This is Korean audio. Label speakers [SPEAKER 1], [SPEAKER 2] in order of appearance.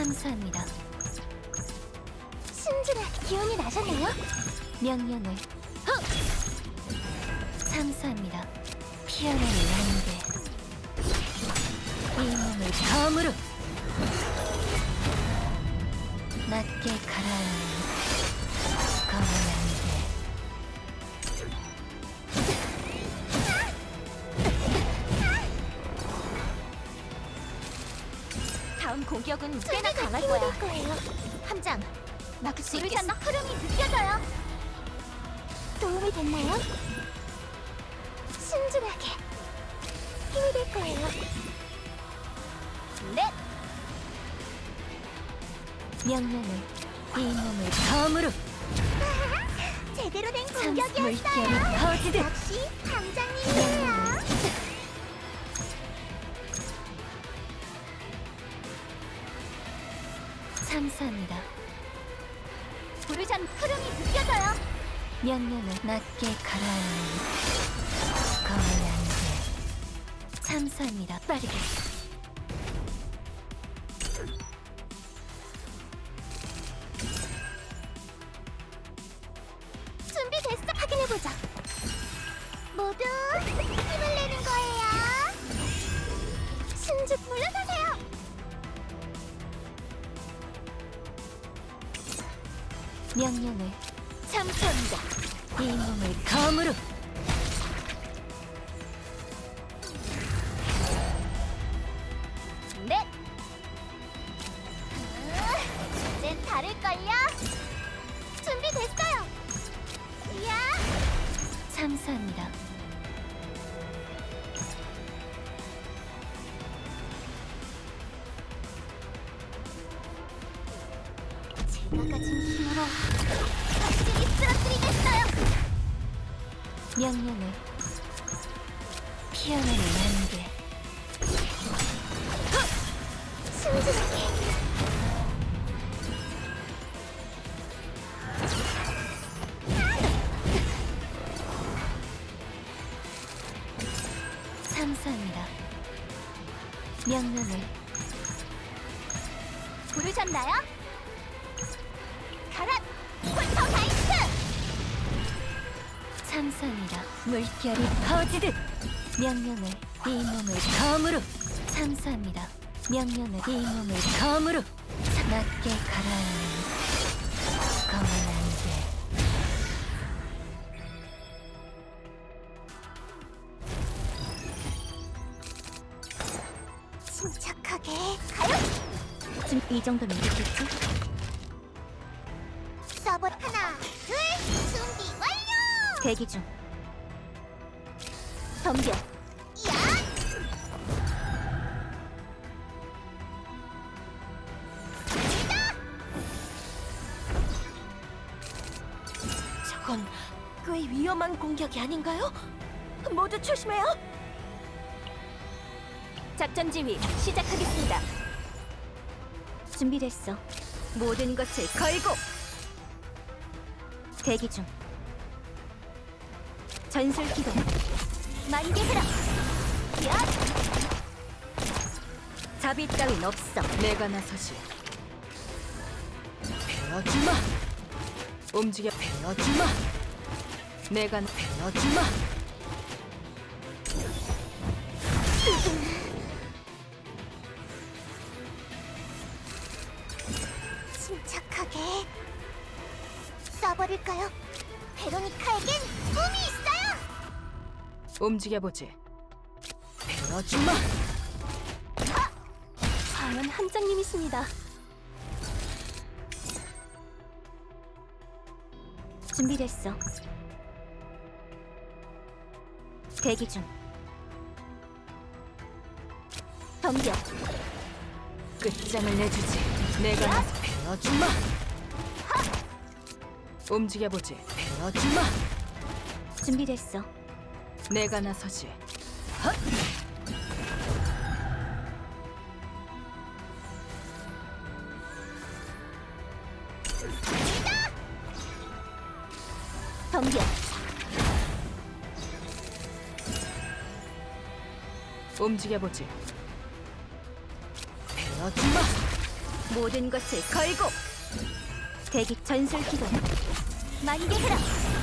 [SPEAKER 1] 참사합니다.
[SPEAKER 2] 신주라, 기운이 나셨나요?
[SPEAKER 1] 명령을 참사합니다. 피어나는 안개 이 몸을 검으로 낮게 가라앉는 검은 안개
[SPEAKER 2] 다음 공격은 꽤나 강할 거야. 함장, 막을 수 있겠어? 흐름이 느껴져요. 도움이 됐나요? 신중하게 힘이 될 거예요. 네.
[SPEAKER 1] 명령을 이 몸을 검으로
[SPEAKER 2] 제대로 된
[SPEAKER 1] 물결이
[SPEAKER 2] 공격이었어요.
[SPEAKER 1] 터지듯
[SPEAKER 2] 역시 함장님이에요.
[SPEAKER 1] 참사합니다.
[SPEAKER 2] 부르잔 흐름이 느껴져요.
[SPEAKER 1] 명령을 낮게 가라앉는 검은 안개 참사합니다. 빠르게
[SPEAKER 2] 준비됐어. 확인해보자. 모두 힘을 내는 거예요. 신주 물러서세요.
[SPEAKER 1] 명령을 참사합니다. 이 몸을 검으로
[SPEAKER 2] 네. 이젠 다를걸요. 준비됐어요. 이야.
[SPEAKER 1] 참사합니다.
[SPEAKER 2] 제가 가진 힘으로 확실히 쓰러뜨리겠어요.
[SPEAKER 1] 명령을 피어나는 안개
[SPEAKER 2] 신중하게.
[SPEAKER 1] 참사합니다. 명령을
[SPEAKER 2] 부르셨나요? 가라! 폴터가이스트!
[SPEAKER 1] 참사합니다. 물결이 터지듯 명령을 이 몸을 검으로 참사합니다. 명령을 이 몸을 검으로 낮게 가라앉는 검은 안개
[SPEAKER 2] 침착하게 가요!
[SPEAKER 1] 지금 이 정도면 됐겠지?
[SPEAKER 2] 서버 하나, 둘, 준비 완료!
[SPEAKER 1] 대기 중 덤벼
[SPEAKER 2] 야!
[SPEAKER 1] 저건 꽤 위험한 공격이 아닌가요? 모두 조심해요. 작전 지휘 시작하겠습니다. 준비됐어. 모든 것을 걸고 대기 중. 전술 기동.
[SPEAKER 2] 만개 흐름! 야!
[SPEAKER 1] 자비 따윈 없어. 내가 나서지. 베어주마. 움직여. 베어주마. 내가 베어주마.
[SPEAKER 2] 침착하게 쏴버릴까요? 베로니카에겐 꿈이 있어요!
[SPEAKER 1] 움직여보지. 베어주마. 과연 함장님이십니다. 준비됐어. 대기 중. 덤벼. 끝장을 내주지. 내가 나서 베어주마. 움직여보지. 베어주마. 준비됐어. 내가 나서지. 헛! 덤벼. 움직여보지. 베어주마.
[SPEAKER 2] 모든 것을 걸고 대기 전술 기동 만개 흐름